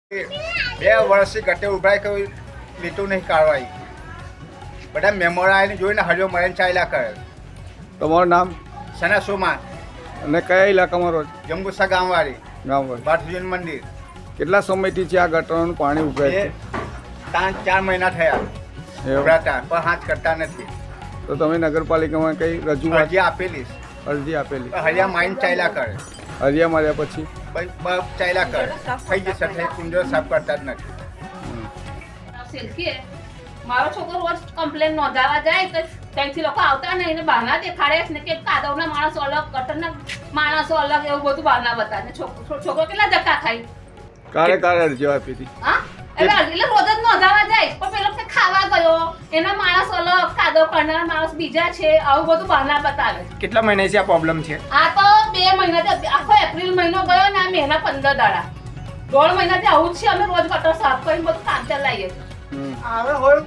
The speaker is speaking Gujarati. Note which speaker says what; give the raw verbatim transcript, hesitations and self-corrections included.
Speaker 1: બે વર્ષથી ગટે ઉભરાય કોઈ લીટું નહીં કાઢવાય. બધા મેમોરા આવીને જોઈને હરિયો મરેન ચાલ્યા કરે.
Speaker 2: તમારું નામ
Speaker 1: સના સોમા
Speaker 2: અને કયા ઇલાકામાં રહો છો?
Speaker 1: જંબુસા ગામવાળી
Speaker 2: ગામવાળી.
Speaker 1: બાથુજીન મંદિર.
Speaker 2: કેટલા સમયથી છે આ ગટરનું પાણી ઉભરાય
Speaker 1: એ
Speaker 2: છે?
Speaker 1: ત્રણ ચાર મહિના થયા
Speaker 2: એવું?
Speaker 1: ઉભરાતા પણ હાથ કરતા નથી.
Speaker 2: તો તમે નગરપાલિકામાં કઈ રજૂઆત
Speaker 1: અરજી આપેલી છે.
Speaker 2: અરજી આપેલી?
Speaker 1: પણ હરિયા માઇન ચાલ્યા કરે.
Speaker 2: અરજીયા માર્યા પછી
Speaker 1: બસ બસ ચાલ્યા કરે. થઈ જશે થઈ કુંડો સાફ કરતા જ નથી.
Speaker 3: સિલ્કી મારો છોકરો રોજ કમ્પ્લેન નોંધાવા જાય તો ત્યાંથી લોકો આવતા નહીં ને બહાના દેખાડે ને કે કાદવના માણસો અલગ ગટરના માણસો અલગ એવું બધું બહાના બતાવે ને છોકરો છોકરો કેટલા ધક્કા ખાય.
Speaker 2: કારે કારે અરજીઓ આપી હતી?
Speaker 3: હા એટલે એટલે રોજ જ નોંધાવા જાય પણ પેલો કે ખાવા ગયો એના માણસ અલગ કાદવ કરનારા માણસ બીજા છે આવું બધું બહાના બતાવે.
Speaker 4: કેટલા મહિનાથી આ પ્રોબ્લેમ છે?
Speaker 3: આ તો બે મહિનાથી આખો એપ્રિલ મહિનો ગયો ને આ મહિના પંદર દાડા દોઢ મહિનાથી આવું જ છે. અમે રોજ ગટર સાફ કરીને બધું કામ ચલાવીએ છીએ.
Speaker 2: હમ.
Speaker 1: આવે હોય